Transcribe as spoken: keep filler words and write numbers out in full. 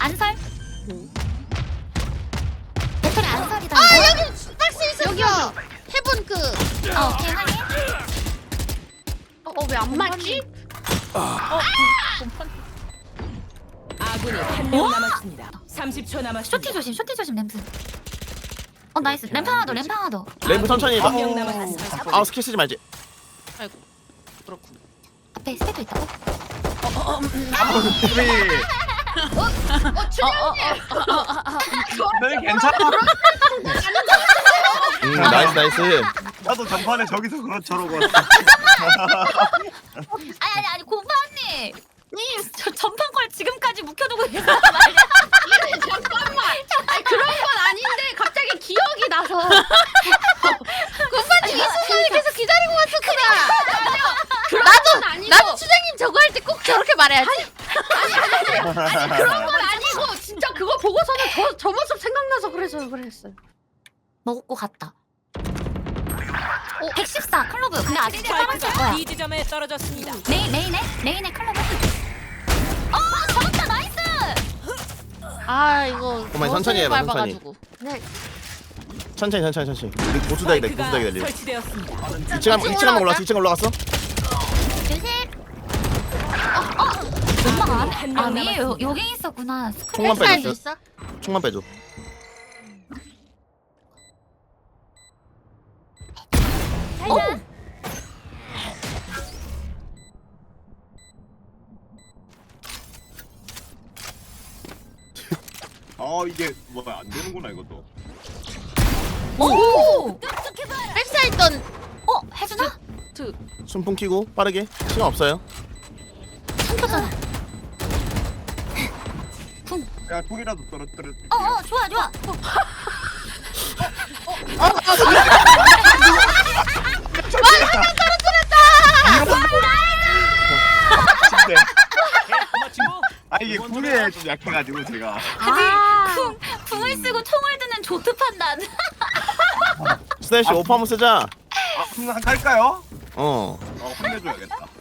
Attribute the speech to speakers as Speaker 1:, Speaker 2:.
Speaker 1: 안설. 배터리 안설이다.
Speaker 2: 아
Speaker 1: 이거.
Speaker 2: 여기 박스 있었어. 여기요. 해본 그.
Speaker 1: 어, 오케이 확인.
Speaker 2: 어 왜 안 맞지?
Speaker 3: 아군이 한 명 남았습니다. 삼십 초 남았습니다.
Speaker 1: 쇼티 조심, 쇼티 조심 램프. 어 나이스. 램프 하나 더, 램프 하나 더.
Speaker 4: 램프 천천히 해봐.
Speaker 3: 한명 남았습니다.
Speaker 4: 아 스킬 쓰지 말지.
Speaker 2: 아이고 그렇군.
Speaker 1: 앞에 스태도 있다고?
Speaker 2: 어 출연님.
Speaker 5: 네 괜찮아.
Speaker 4: 음 나이스 나이스.
Speaker 5: 나도 전판에 저기서 그런 저러고 왔어.
Speaker 1: 아니 아니 아니 고파 언니. 님, 저 전판 걸 지금까지 묵혀두고 있단 말이야.
Speaker 2: 잠깐만. 아니 그런 건 아닌데 갑자기 기억이 나서. 고파님 이 순간을 계속 기다리고 왔었구나. 나도 아니고. 나도 추장님 저거 할 때 꼭 저렇게 말해야지. 아니 아니 아니 그런 건 아니고 진짜 그거 보고서는 저, 저 모습 생각나서 그래서 그랬어요.
Speaker 1: 먹고 갔다. 오, 백십사 클로브. 근데 아직 살아있을 거야.
Speaker 3: 이 지점에 떨어졌습니다.
Speaker 1: 메인 메인에 메인에 클로브. 어 잡았다 나이스.
Speaker 2: 아 이거
Speaker 4: 그만 천천히 해봐, 천천히.
Speaker 2: 밟아가지고. 네.
Speaker 4: 천천히 천천히 천천히. 우리 보수다기 돼 보수다기 달리.
Speaker 3: 설치되었습니다.
Speaker 4: 이 층 한- 이 층 한번 올라갔어. 이 층 올라갔어.
Speaker 1: 조심. 어 어. 엄마가 안
Speaker 3: 한명
Speaker 1: 아니 여-
Speaker 3: 남았습니다.
Speaker 1: 여기 있었구나.
Speaker 4: 총만
Speaker 2: 할
Speaker 4: 빼줘.
Speaker 2: 수 있어?
Speaker 4: 총만 빼줘.
Speaker 1: 어.
Speaker 5: 아 이게 뭐야 안 되는구나 이것도.
Speaker 1: 오.
Speaker 2: 백사 있던
Speaker 1: 어 해주나?
Speaker 4: 순풍 키고 빠르게. 시간 없어요.
Speaker 1: 삼켰잖아.
Speaker 5: 야 총이라도 떨어뜨려.
Speaker 1: 어어 좋아 좋아.
Speaker 5: 아 이게 궁에 좀 약해가지고 제가.
Speaker 1: 아니 궁 궁을 쓰고 총을 드는 조트 판단.
Speaker 4: 스네시 오퍼 한번 쓰자.
Speaker 5: 아 그럼 한 갈까요?
Speaker 4: 어.
Speaker 5: 어 혼내줘야겠다.